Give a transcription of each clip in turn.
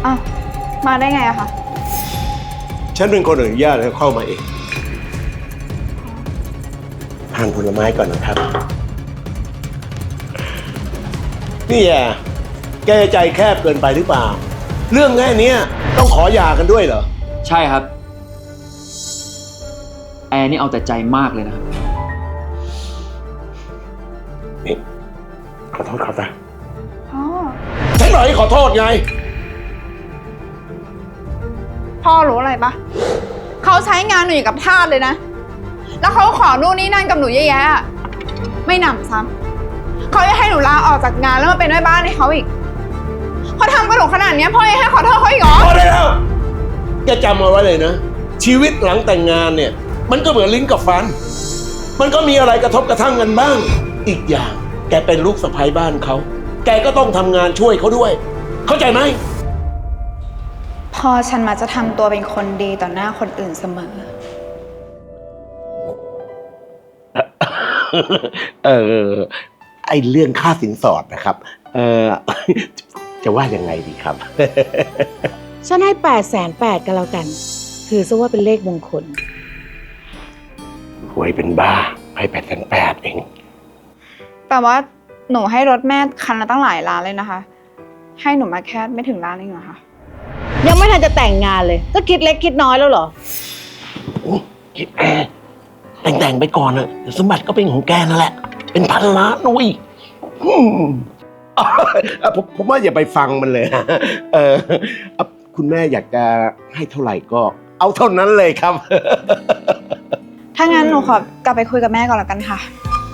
อ้าวมาได้ไงอะคะฉันเป็นคนอนุญาตให้เข้ามาเองทานผลไม้ก่อนนะครับนี่แกใจแคบเกินไปหรือเปล่าเรื่องแค่นี้ต้องขอหย่ากันด้วยเหรอใช่ครับแอร์นี่เอาแต่ใจมากเลยนะครับนี่ขอโทษครับนะพ่อฉันบอกให้ขอโทษไงพ่อรู้อะไรปะเขาใช้งานหนูอยู่กับทาสเลยนะแล้วเขาขอนู่นนี่นั่นกับหนูเยอะแยะไม่หนำซ้ำเขาจะให้หนูลาออกจากงานแล้วมาเป็นแม่บ้านให้เขาอีกเขาทำกับหนูขนาดนี้พ่อยังให้ขอโทษเขาอีกเหรอพอได้แล้วแกจำเอาไว้เลยนะชีวิตหลังแต่งงานเนี่ยมันก็เหมือนลิ้นกับฟันมันก็มีอะไรกระทบกระทั่งกันบ้างอีกอย่างแกเป็นลูกสะใภ้บ้านเขาแกก็ต้องทำงานช่วยเขาด้วยเข้าใจไหมพ่อฉันมาจะทำตัวเป็นคนดีต่อหน้าคนอื่นเสมอไอเรื่องค่าสินสอดนะครับจะว่ายังไงดีครับฉันให้800,008กันแล้วกันถือซะว่าเป็นเลขมงคลรวยเป็นบ้าให้8,800เองแต่ว่าหนูให้รถแม่คันละตั้งหลายล้านเลยนะคะให้หนูมาแค่ไม่ถึงล้านเองเหรอคะยังไม่ทันจะแต่งงานเลยก็คิดเล็กคิดน้อยแล้วเหรอคิดแต่งไปก่อนนะสมบัติก็เป็นของแกนั่นแหละเป็นพันล้านนุ้ยผมว่าอย่าไปฟังมันเลยคุณแม่อยากจะให้เท่าไหร่ก็เอาเท่านั้นเลยครับถ้างั้นหนูขอกลับไปคุยกับแม่ก่อนแล้วกันค่ะ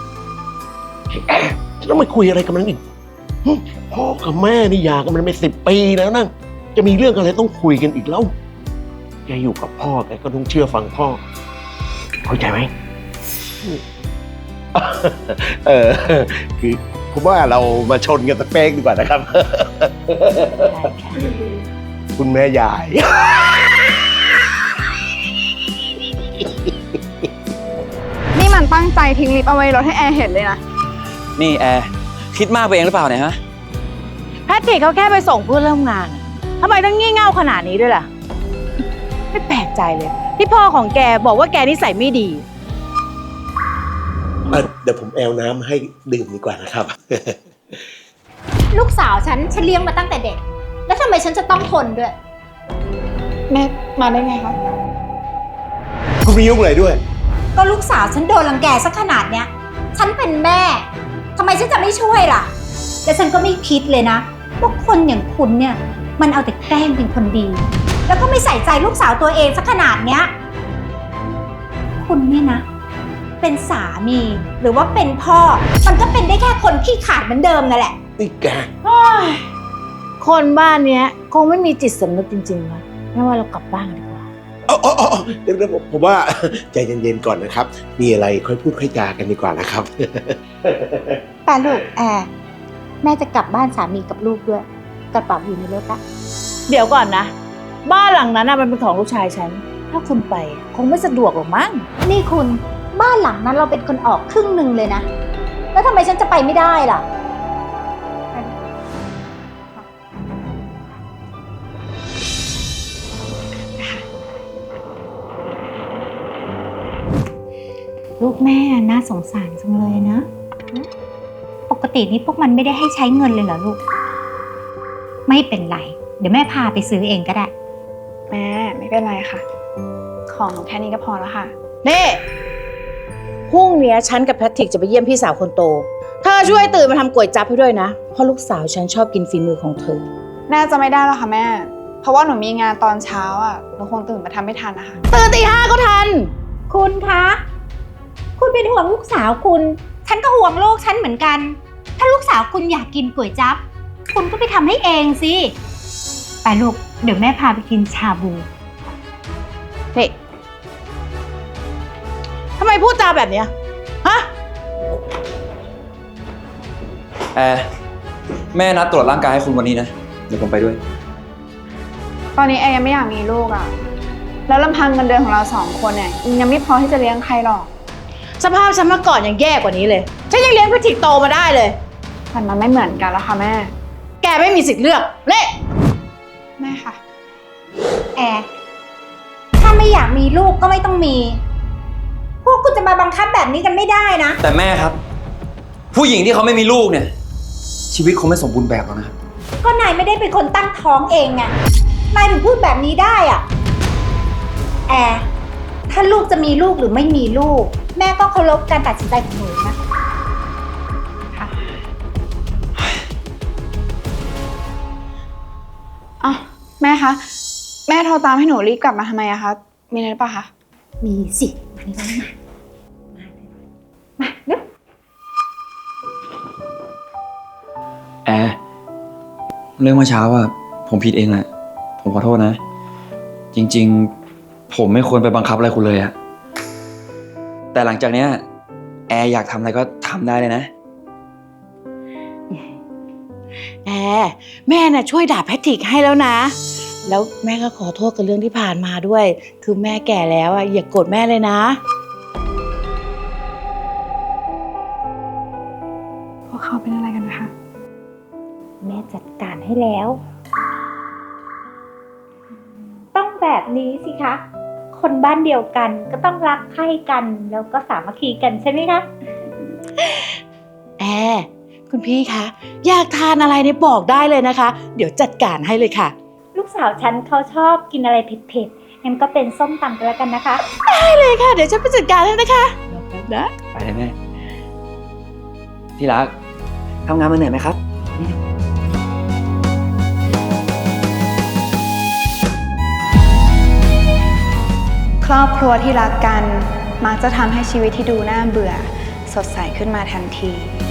จะต้องไปคุยอะไรกับมันอีกพ่อกับแม่นี่หย่ากันมันไป10 ปีแล้วนะจะมีเรื่องอะไรต้องคุยกันอีกแล้วแกอยู่กับพ่อแกก็ต้องเชื่อฟังพ่อเข้าใจไหมคือผมว่าเรามาชนกันสักเป๊กดีกว่านะครับคุณแม่ยายนี่มันตั้งใจทิ้งลิฟต์เอาไว้รถให้แอร์เห็นเลยนะนี่แอร์คิดมากไปเองหรือเปล่าเนี่ยฮะแพทริกเขาแค่ไปส่งเพื่อนร่วมงานทำไมต้องงี่เง่าขนาดนี้ด้วยล่ะไม่แปลกใจเลยที่พ่อของแกบอกว่าแกนิสัยไม่ดีเดี๋ยวผมแอลน้ำให้ดื่มดีกว่านะครับลูกสาวฉันเลี้ยงมาตั้งแต่เด็กแล้วทำไมฉันจะต้องทนด้วยแม่มาได้ไงคะคุณมียุ่งอะไรด้วยก็ลูกสาวฉันโดนรังแกสักขนาดเนี้ยฉันเป็นแม่ทำไมฉันจะไม่ช่วยล่ะและฉันก็ไม่คิดเลยนะว่าคนอย่างคุณเนี่ยมันเอาแต่แกล้งเป็นคนดีแล้วก็ไม่ใส่ใจลูกสาวตัวเองสักขนาดเนี้ยคุณเนี่ยนะเป็นสามีหรือว่าเป็นพ่อมันก็เป็นได้แค่คนขี้ขลาดเหมือนเดิมนั่นแหละนี่แกคนบ้านเนี้ยคงไม่มีจิตสำนึกจริงๆวะไม่ว่าเรากลับบ้านกันดีกว่าเดี๋ยวผมว่าใจเย็นๆก่อนนะครับมีอะไรค่อยพูดค่อยจากันดีกว่านะครับแต่ลูกแม่จะกลับบ้านสามีกับลูกด้วยกระเป๋าอยู่ในรถละเดี๋ยวก่อนนะบ้านหลังนั้นมันเป็นของลูกชายฉันถ้าคุณไปคงไม่สะดวกหรอกมั้งนี่คุณบ้านหลังนั้นเราเป็นคนออกครึ่งหนึ่งเลยนะแล้วทำไมฉันจะไปไม่ได้ล่ะลูกแม่น่าสงสารจังเลยนะปกตินี่พวกมันไม่ได้ให้ใช้เงินเลยเหรอลูกไม่เป็นไรเดี๋ยวแม่พาไปซื้อเองก็ได้แม่ไม่เป็นไรค่ะของหนูแค่นี้ก็พอแล้วค่ะนี่พรุ่งนี้ฉันกับแพทริกจะไปเยี่ยมพี่สาวคนโตเธอช่วยตื่นมาทำก๋วยจั๊บให้ด้วยนะเพราะลูกสาวฉันชอบกินฝีมือของเธอน่าจะไม่ได้แล้วค่ะแม่เพราะว่าหนูมีงานตอนเช้าหนูคงตื่นมาทำไม่ทันนะคะตื่นตี 5ก็ทันคุณคะคุณเป็นห่วงลูกสาวคุณฉันก็ห่วงลูกฉันเหมือนกันถ้าลูกสาวคุณอยากกินก๋วยจั๊บคุณก็ไปทำให้เองสิไปลูกเดี๋ยวแม่พาไปกินชาบูนี่ทำไมพูดจาแบบเนี้ยฮะแอร์แม่นัดตรวจร่างกายให้คุณวันนี้นะเดี๋ยวผมไปด้วยตอนนี้แอร์ยังไม่อยากมีลูกแล้วลำพังเงินเดือนของเรา2 คนเนี่ยยังไม่พอที่จะเลี้ยงใครหรอกสภาพฉันเมื่อก่อนยังแย่กว่านี้เลยฉันยังเลี้ยงแพทริกโตมาได้เลยมันไม่เหมือนกันแล้วค่ะแม่แกไม่มีสิทธิ์เลือกเละแม่ค่ะแอร์ถ้าไม่อยากมีลูกก็ไม่ต้องมี พวกคุณจะมาบังคับแบบนี้กันไม่ได้นะแต่แม่ครับ ผู้หญิงที่เขาไม่มีลูกเนี่ย ชีวิตคงไม่สมบูรณ์แบบหรอกนะครับก็นายไม่ได้เป็นคนตั้งท้องเองไง นายถึงพูดแบบนี้ได้อะแอร์ถ้าลูกจะมีลูกหรือไม่มีลูก แม่ก็เคารพการตัดสินใจของหนูนะค่ะอ้าวแม่คะ แม่โทรตามให้หนูรีบกลับมาทำไมอะคะ มีอะไรหรือเปล่าคะมีสิมานี่มาเร็วแอร์เรื่องเมื่อเช้าอะผมผิดเองแหละ ผมขอโทษนะ จริงๆ ผมไม่ควรไปบังคับอะไรคุณเลยอะแต่หลังจากเนี้ยแอร์อยากทำอะไรก็ทำได้เลยนะแอร์แม่น่ะช่วยด่าแพทริกให้แล้วนะ แล้วแม่ก็ขอโทษกับเรื่องที่ผ่านมาด้วย คือแม่แก่แล้วอ่ะอย่าโกรธแม่เลยนะพวกเขาเป็นอะไรกันนะคะแม่จัดการให้แล้ว ต้องแบบนี้สิคะ คนบ้านเดียวกันก็ต้องรักใคร่กันแล้วก็สามัคคีกันใช่ไหมคะแอร์คุณพี่คะอยากทานอะไรเนี่ยบอกได้เลยนะคะ เดี๋ยวจัดการให้เลยค่ะลูกสาวฉันเขาชอบกินอะไรเผ็ดๆงั้นก็เป็นส้มตำกันแล้วกันนะคะได้เลยค่ะ เดี๋ยวฉันไปจัดการให้นะคะรอแป๊บนะไปเลยแม่ ที่รักทำงานมาเหนื่อยไหมครับครอบครัวที่รักกันมักจะทำให้ชีวิตที่ดูน่าเบื่อ สดใสขึ้นมาทันที